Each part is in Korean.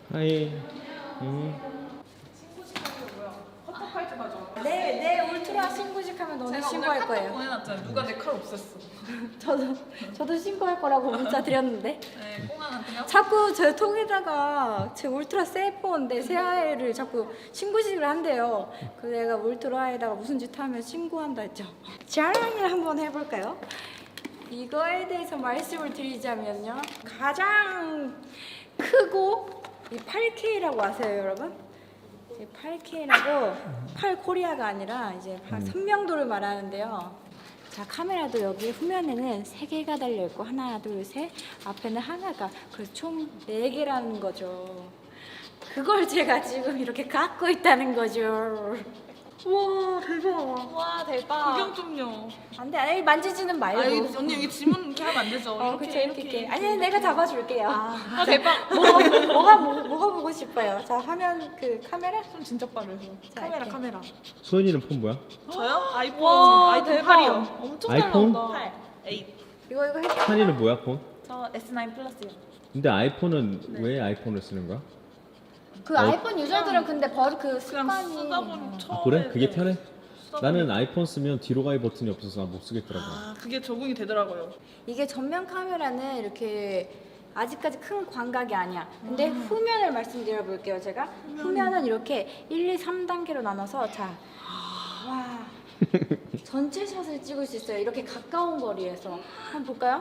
하이. 신고식하는 거야. 카톡할 때 가져. 내 울트라 신고식하면 너네 신고할 카톡 거예요. 보내놨잖아. 누가 내 칼 없앴어. 저도 신고할 거라고 문자 드렸는데 네, 꽁한한테요. 자꾸 제 톡에다가 제 울트라 셀폰 내 새아이를 자꾸 신고식을 한대요. 그래서 내가 울트라에다가 무슨 짓 하면 신고한다 했죠. 자랑을 한번 해볼까요? 이거에 대해서 말씀을 드리자면요, 가장 크고 이 8K라고 아세요, 여러분? 8K라고 8코리아가 아니라 이제 선명도를 말하는데요. 자, 카메라도 여기 후면에는 3개가 달려있고 하나, 둘, 셋, 앞에는 하나가, 그래서 총 4개라는 거죠. 그걸 제가 지금 이렇게 갖고 있다는 거죠. 와, 대박. 와 대박. 구경 좀요. 안 돼, 아니, 만지지는 말고. 아 여기, 언니 여기 지문 이렇게 하면 안 되죠. 그쵸, 이렇게. 아니, 내가 잡아줄게요. 아 대박. 뭐가 보고 싶어요? 자, 화면 그 카메라? 손 진짜 빠르죠. 자, 카메라 이렇게. 카메라. 소연이는 폰 뭐야? 저요? 아이폰. 와, 아이폰 대박. 8이요. 엄청 잘 아이폰? 나온다. 8, 8. 이거 해. 찬이는 뭐야 폰? 저 S9 플러스요. 근데 아이폰은 왜 아이폰을 쓰는 거야? 그 아이폰 유저들은 근데 그 그냥 습관이. 쓰다 보면 처음에. 그래? 그게 편해? 쓰다 나는 보니까. 아이폰 쓰면 뒤로 가기 버튼이 없어서 못 쓰겠더라고. 아 그게 적응이 되더라고요. 이게 전면 카메라는 이렇게 아직까지 큰 광각이 아니야. 근데 후면을 말씀드려 볼게요. 제가 후면은 이렇게 1, 2, 3단계로 나눠서 자, 와, 전체 샷을 찍을 수 있어요. 이렇게 가까운 거리에서 한번 볼까요?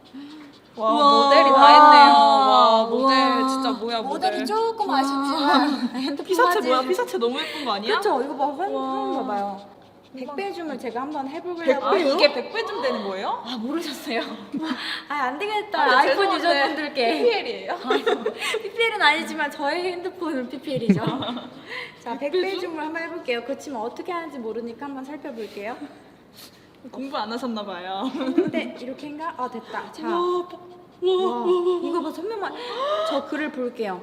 와 우와. 모델이 다 했네요. 와 모델 우와. 진짜 뭐야 모델. 모델이 조금 아쉽지만 핸드폰 피사체 화질. 뭐야? 피사체 너무 예쁜 거 아니야? 그쵸? 이거 봐, 화면 와. 봐봐요. 100배 줌을 제가 한번 해보려고. 아 이게 100배쯤 되는 거예요? 아, 모르셨어요? 아, 안 되겠다. 아, 아이폰 죄송한데 유저분들께. PPL이에요? PPL은 아니지만 저의 핸드폰은 PPL이죠. 자, 100배 줌을 한번 해볼게요. 그렇지만 어떻게 하는지 모르니까 한번 살펴볼게요. 공부 안 하셨나 봐요. 근데 이렇게인가? 아, 됐다. 자, 와, 와, 이거 봐, 선명만. 저 글을 볼게요.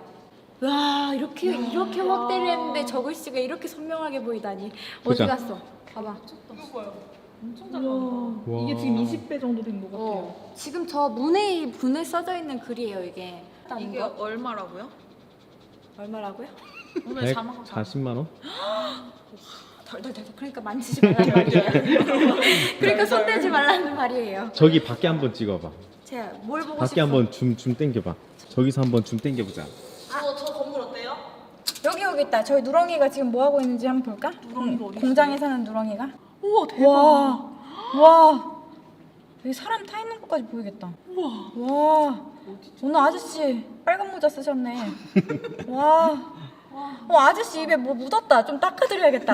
와, 이렇게 확대를 했는데 저 글씨가 이렇게 선명하게 보이다니. 어디 보자. 갔어? 봐봐. 이거 봐요. 엄청 잘 나온다. 와. 이게 지금 20배 정도 된 것 같아요. 지금 저 문에 써져 있는 글이에요, 이게. 이게 거? 얼마라고요? 얼마라고요? 오늘 자막 140만 원? 덜덜덜. 그러니까 만지지 말라는 말이에요. 그러니까 손 대지 말라는 말이에요. 저기 밖에 한번 찍어봐. 제가 뭘 보고 밖에 싶어? 한번 줌 당겨봐. 저기서 한번 줌 당겨보자. 저 건물 어때요? 여기 있다. 저희 누렁이가 지금 뭐 하고 있는지 한번 볼까? 누렁이가 어디 공장에 사는 누렁이가. 우와 대박. 와. 여기 사람 타 있는 것까지 보이겠다. 우와. 와. 오늘 아저씨 빨간 모자 쓰셨네. 와. 아저씨 입에 뭐 묻었다. 좀 닦아드려야겠다.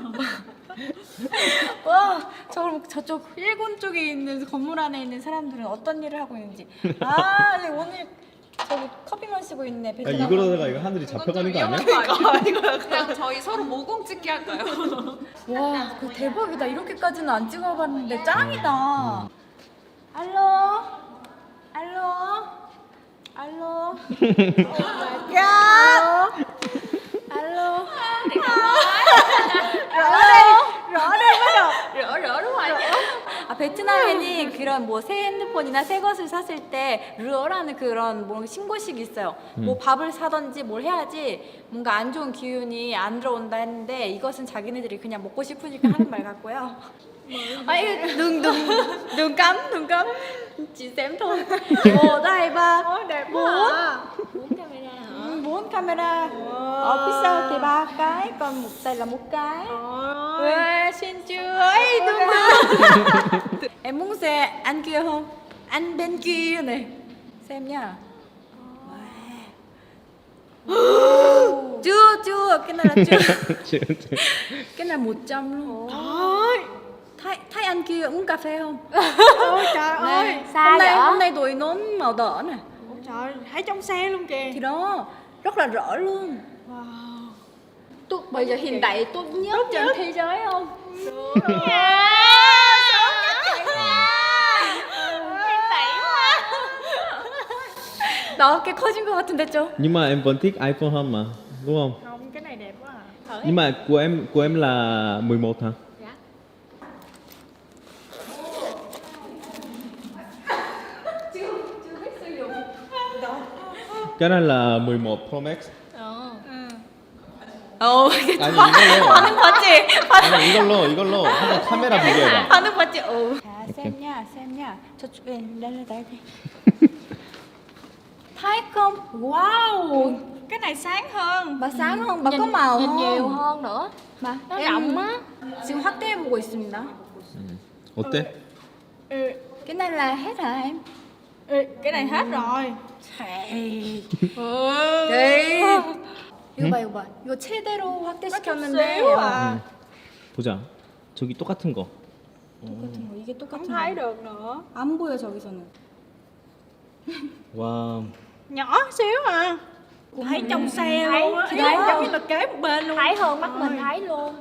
와, 저쪽 일본 쪽에 있는 건물 안에 있는 사람들은 어떤 일을 하고 있는지. 아, 네, 오늘 저기 커피만 쓰고 있네. 야, 베트남. 이거로다가 이거 하늘이 잡혀가는 거 아니야? 그냥 저희 서로 모공 찍기 할까요? 와, 그 대박이다. 이렇게까지는 안 찍어봤는데 짱이다. 알로, 알로, 알로. 야, 알로. 아, 베트남에는 그런 뭐 새 핸드폰이나 새 것을 샀을 때 르어라는 그런 뭐 신고식이 있어요. 뭐 밥을 사든지 뭘 해야지 뭔가 안 좋은 기운이 안 들어온다 했는데 이것은 자기네들이 그냥 먹고 싶으니까 하는 말 같고요. 아, 이거 눈 감. Chị xem thôi. Một, hai, ba, bốn camera. Ở phía sau thì 3 cái, còn một tay là 1 cái. Ê, xin chưa? Ấy, đúng. Em muốn xem anh kia không? Anh bên kia này. Xem nha. Chưa, cái này là chưa. Cái này 100 luôn. Thấy anh kia uống cà phê không? Ôi trời ơi, Hôm nay tụi nón màu đỏ nè. ôi trời, thấy trong xe luôn kìa. Thì đó, rất là rõ luôn. Wow. Bây giờ hiện tại tốt nhất trên thế giới không? Đó, cái 커진 것 같은데 좀. Nhưng mà em vẫn thích iPhone hơn mà, đúng không? Không, cái này đẹp quá à. Nhưng mà của em là 11 hả? Cái này là 11 Pro Max. 괜찮아. 아니 이걸로. 반응 봤지? 아니 이걸로 한번 카메라 비교해봐. 반응 봤지? 자, xem nha. 저쪽 đây đây. Thấy không? Wow, Cái này sáng hơn. bà sáng hơn, bà có màu nhìn hơn. nhiều hơn nữa. bà Nó rộng á. 지금 확대해 보고 있습니다. 어때? Ừ, Cái này là hết hả em? ừ, cái này hết rồi. 네. 이거 봐. 이거 최대로 확대시켰는데 xíu à. 보자. 저기 똑같은 거. 똑같은 거. 이게 Không 똑같은 thấy 거. được nữa. 안 보여 저기서는. 와. Nhỏ xíu à. Thấy trong xe Thấy, luôn á. Ý đấy. là giống như là kế một bên luôn. Thấy hơn mắt mình thấy luôn.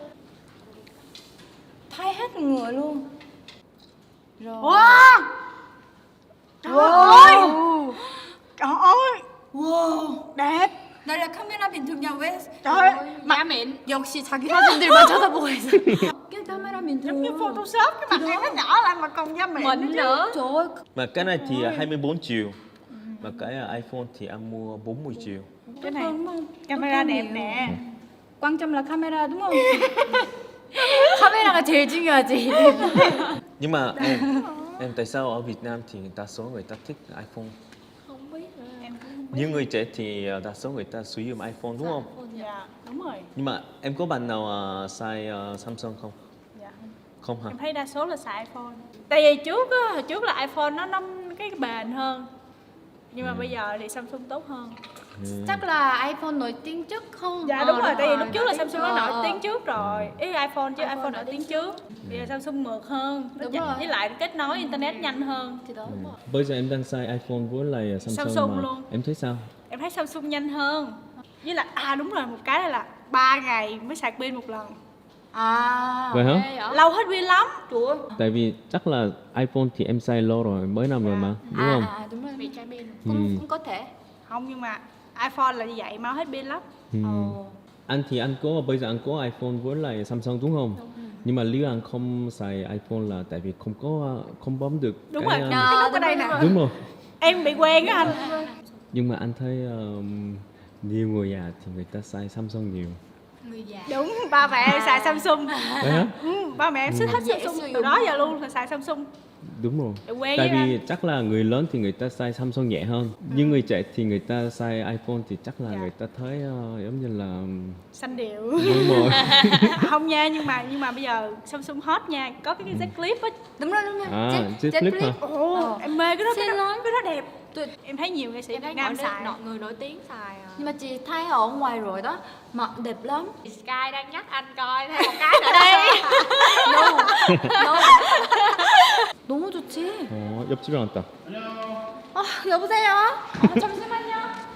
Thay hết người luôn. Rồi. Wow. Trời ơi. Trời ơi. Wow. Đẹp. Đây là camera bình thường nhà 왜? Trời ơi. Giá mịn. 역시 자기 사진들만 쳐다보고 있어. cái camera bình Giống như thường. Photoshop cái mặt em nó nhỏ lại mà còn da mịn Mịn nữa. Trời ơi. Mà cái này thì 24 triệu. Mà cái iPhone thì anh mua 40 triệu. Cái này đúng không? camera đẹp 똑같네요. nè. quan trọng là camera đúng không? 카메라가 제일 중요하지. Nhưng mà em tại sao ở Việt Nam thì đa số người ta thích iPhone? Không biết nữa. Em cũng không biết. Những người trẻ thì đa số người ta sử dụng iPhone đúng không? Dạ đúng rồi. Nhưng mà em có bạn nào xài Samsung không? Dạ. Không hả? Em thấy đa số là xài iPhone. Tại vì trước á, hồi trước là iPhone nó cái bền hơn. Nhưng mà bây giờ thì Samsung tốt hơn. chắc là iPhone nổi tiếng trước không? Dạ đúng rồi, tại vì lúc trước là nổi Samsung nó tiếng. nổi tiếng trước rồi. Ý iPhone chứ iPhone iPhone nổi tiếng trước. Bây giờ Samsung mượt hơn. Nó Đúng chạy- rồi. với lại kết nối internet nhanh hơn. thì đó. Bây giờ em đang xài iPhone với lại Samsung, Samsung mà. luôn. Em thấy sao? Em thấy Samsung nhanh hơn. Với lại đúng rồi, một cái là 3 ngày mới sạc pin một lần. À. Vậy hả? Ghê vậy? Lâu hết pin lắm. Trời ơi. Tại vì chắc là iPhone thì em xài lâu rồi, mấy năm rồi mà, đúng không? đúng rồi. Bị trái pin. cũng có thể. Không, nhưng mà iPhone là như vậy mau hết pin lắm. Ừ. Anh thì anh có bây giờ anh có iPhone với lại Samsung đúng không? Nhưng mà nếu anh không xài iPhone là tại vì không bấm được Đúng cái, rồi, um, cái nút ở đây nè. đúng rồi. Em bị quen á anh. Nhưng mà anh thấy nhiều người già thì người ta xài Samsung nhiều. Người già. Đúng, ba mẹ em xài Samsung. Đấy hả? Ba mẹ em thích hết dễ Samsung sử từ dụng. đó giờ luôn là xài Samsung. Đúng rồi. Để quen Tại với vì anh. chắc là người lớn thì người ta xài Samsung nhẹ hơn. Nhưng người trẻ thì người ta xài iPhone thì chắc là Dạ. người ta thấy giống như là Xanh điệu. đúng rồi. Không nha, nhưng mà bây giờ Samsung hot nha, có cái Z Flip á. Đúng rồi. À, Z Flip hả? Ồ, em mê cái đó, Xin lỗi. cái đó đẹp. Tôi- Em thấy nhiều nghệ sĩ Em Việt thấy Nam xài. người nổi tiếng xài à. Nhưng mà chị thấy ở ngoài rồi đó, mặt đẹp lắm. Sky đang nhắc anh coi thêm một cái nữa đây. No. 너무 좋지. 옆집에 왔다. 아, 여보세요? 잠시만요.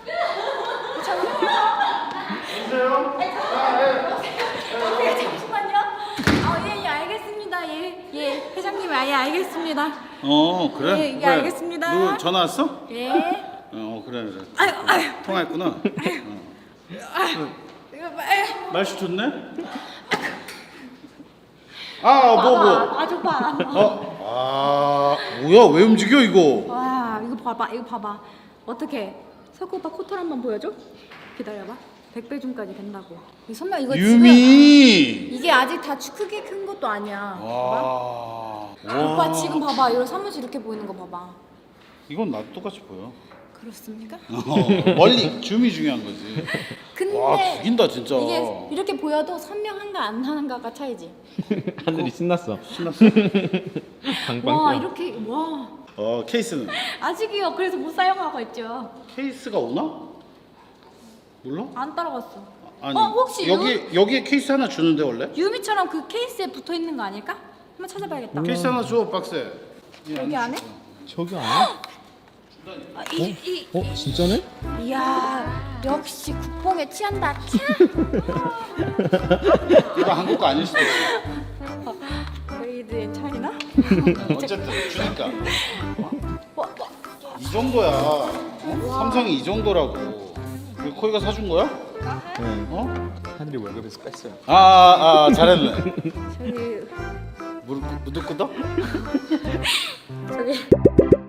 잠시만요. 예, 알겠습니다. 예, 회장님, 예, 알겠습니다. 그래? 예, 예, 왜? 알겠습니다. 누구 전화 왔어? 예. 그래. 아유. 통화했구나. 이거 봐. 날씨 좋네? 뭐. 아, 좋다. 뭐야? 왜 움직여 이거? 와, 이거 봐봐. 어떻게? 석구 오빠 코털 한번 보여줘? 기다려봐. 100배 줌까지 된다고. 이 선명 이거 지금 유미. 이게 아직 다 크게 큰 것도 아니야. 봐봐. 와. 오빠 지금 봐봐. 이런 사무실 이렇게 보이는 거 봐봐. 이건 나도 똑같이 보여. 그렇습니까? 멀리 줌이 중요한 거지. 근데 와 죽인다 진짜. 이게 이렇게 보여도 선명한가 안 하는가가 차이지. 하늘이 신났어. 신났어? 방방 와 뛰어. 이렇게 와 케이스는? 아직이요. 그래서 못 사용하고 있죠. 케이스가 오나? 몰라? 안 따라갔어. 아니. 혹시 여기에 케이스 하나 주는데 원래? 유미처럼 그 케이스에 붙어 있는 거 아닐까? 한번 찾아봐야겠다. 케이스 하나 줘 박스에. 여기 안에? 저기 아니야? 진짜네? 이야 역시 국뽕에 취한다. 이거 한국 거 아닐 수도 있어. 메이드 인 차이나? 어쨌든 주니까. 이 정도야. 삼성이 이 정도라고. 이거 코이가 사준 거야? 네. 하늘이 월급에서 뺐어요. 잘했네. 저기 무릎 끄덕? 저기